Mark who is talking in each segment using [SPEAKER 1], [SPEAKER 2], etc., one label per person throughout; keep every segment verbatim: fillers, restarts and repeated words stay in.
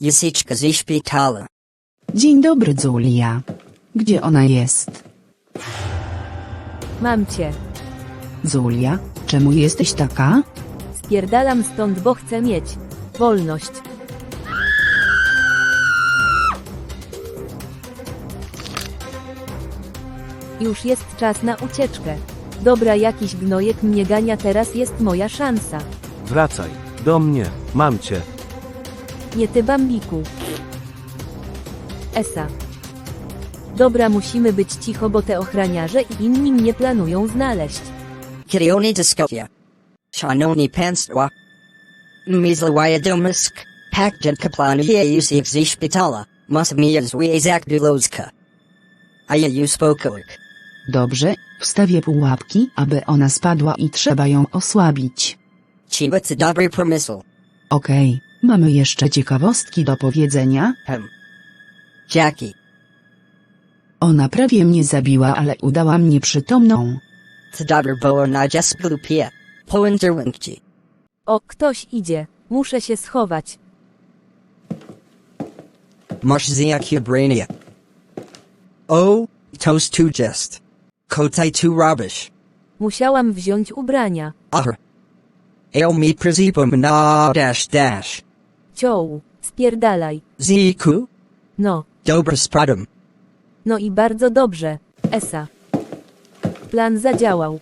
[SPEAKER 1] Jasiczka ze szpitala.
[SPEAKER 2] Dzień dobry, Zulia. Gdzie ona jest?
[SPEAKER 3] Mam cię.
[SPEAKER 2] Zulia, czemu jesteś taka?
[SPEAKER 3] Spierdalam stąd, bo chcę mieć wolność. Już jest czas na ucieczkę. Dobra, jakiś gnojek mnie gania, teraz jest moja szansa.
[SPEAKER 4] Wracaj. Do mnie. Mam cię.
[SPEAKER 3] Nie ty, Bambiku. Esa. Dobra, musimy być cicho, bo te ochraniarze i inni mnie planują znaleźć.
[SPEAKER 1] Kirioni Dyskopia. Szanowni Państwo. Mizlawaya Domisk. Pakjan Kaplanuje Jusik ze szpitala. Masmija Zwiezak Dulozka. A ja już spokoik.
[SPEAKER 2] Dobrze, wstawię pułapki, aby ona spadła i trzeba ją osłabić.
[SPEAKER 1] Chiba to dobry pomysł.
[SPEAKER 2] Okej, mamy jeszcze ciekawostki do powiedzenia.
[SPEAKER 1] Hem. Jackie.
[SPEAKER 2] Ona prawie mnie zabiła, ale udała mnie przytomną.
[SPEAKER 1] To dobry bo na jasplupia. Poenderwinkci.
[SPEAKER 3] O, ktoś idzie. Muszę się schować.
[SPEAKER 1] Masz ziakia brania. Oh, toast to jest. Kotaj to rubbish.
[SPEAKER 3] Musiałam wziąć ubrania.
[SPEAKER 1] Ahr. Ale mi prezipum na dash dash.
[SPEAKER 3] Cioł, spierdalaj.
[SPEAKER 1] Ziku.
[SPEAKER 3] No,
[SPEAKER 1] Dobra spradum.
[SPEAKER 3] no i bardzo dobrze. Esa. Plan zadziałał.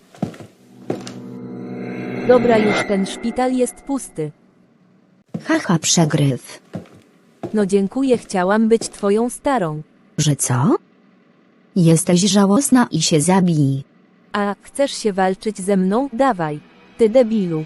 [SPEAKER 3] Dobra, już ten szpital jest pusty.
[SPEAKER 5] Haha, przegryw.
[SPEAKER 3] No dziękuję, chciałam być twoją starą.
[SPEAKER 5] Że co? Jesteś żałosna i się zabij.
[SPEAKER 3] A, chcesz się walczyć ze mną? Dawaj. Ty debilu.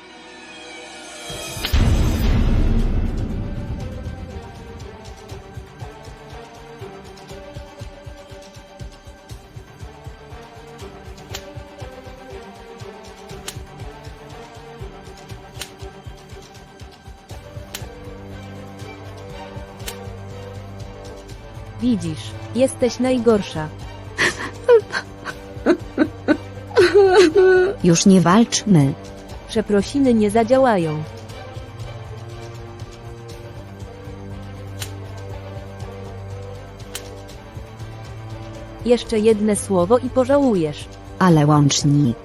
[SPEAKER 3] Widzisz, jesteś najgorsza.
[SPEAKER 5] Już nie walczmy.
[SPEAKER 3] Przeprosiny nie zadziałają. Jeszcze jedno słowo i pożałujesz.
[SPEAKER 5] Ale łącznik.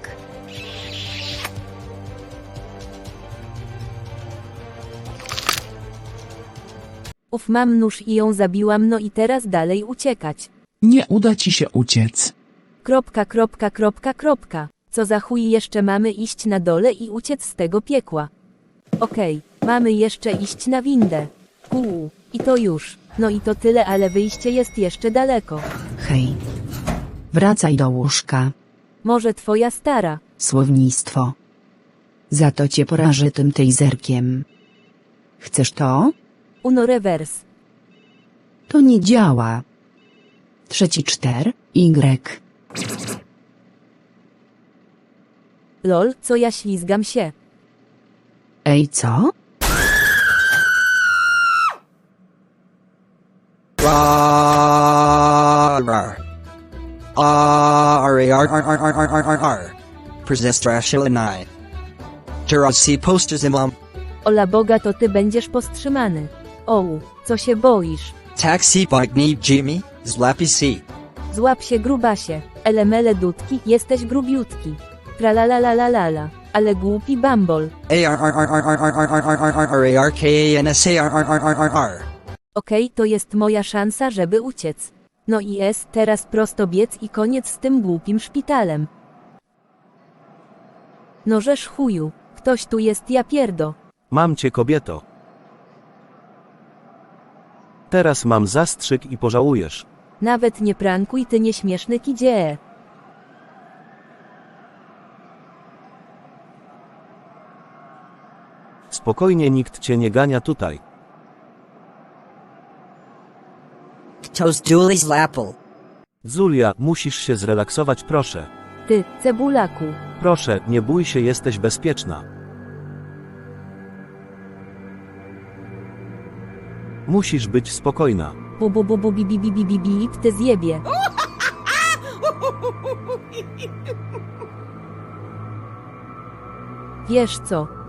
[SPEAKER 3] Uf, mam nóż i ją zabiłam, no i teraz dalej uciekać.
[SPEAKER 6] Nie uda ci się uciec.
[SPEAKER 3] Kropka, kropka, kropka, kropka. Co za chuj, jeszcze mamy iść na dole i uciec z tego piekła. Okej, mamy jeszcze iść na windę. Kół. I to już. No i to tyle, ale wyjście jest jeszcze daleko.
[SPEAKER 2] Hej. Wracaj do łóżka.
[SPEAKER 3] Może twoja stara.
[SPEAKER 2] Słownictwo. Za to cię porażę tym taserkiem. Chcesz to?
[SPEAKER 3] Uno reverse.
[SPEAKER 2] To nie działa. Trzeci czter, Y.
[SPEAKER 3] Lol, co ja ślizgam się.
[SPEAKER 2] Ej, co?
[SPEAKER 1] Rar. Ar ar ar ar ar ar ar ar ar. Prezestrashilinai. Jurasi posters imlam.
[SPEAKER 3] Ola Boga, to ty będziesz powstrzymany. Oł, co się boisz?
[SPEAKER 1] Taxi bike need Jimmy, zlapi si.
[SPEAKER 3] Złap się, grubasie. Elemele dudki, jesteś grubiutki. Tralalalalala. Ale głupi bambol.
[SPEAKER 1] A r r r r r r r r r r r r k a n s a r r r r r r.
[SPEAKER 3] Okej, to jest moja szansa, żeby uciec. No i jest, teraz prosto biec i koniec z tym głupim szpitalem. No żeż chuju, ktoś tu jest, ja pierdo.
[SPEAKER 4] Mam cię, kobieto. Teraz mam zastrzyk i pożałujesz.
[SPEAKER 3] Nawet nie prankuj, ty nieśmieszny kidzie.
[SPEAKER 4] Spokojnie, nikt cię nie gania tutaj.
[SPEAKER 1] Toast Julie's Lapple.
[SPEAKER 4] Zulia, musisz się zrelaksować, proszę.
[SPEAKER 3] Ty, cebulaku.
[SPEAKER 4] Proszę, nie bój się, jesteś bezpieczna. Musisz być spokojna.
[SPEAKER 3] Bu bu bu bu bi bi bi bi bi bi ty zjebie. Wiesz co,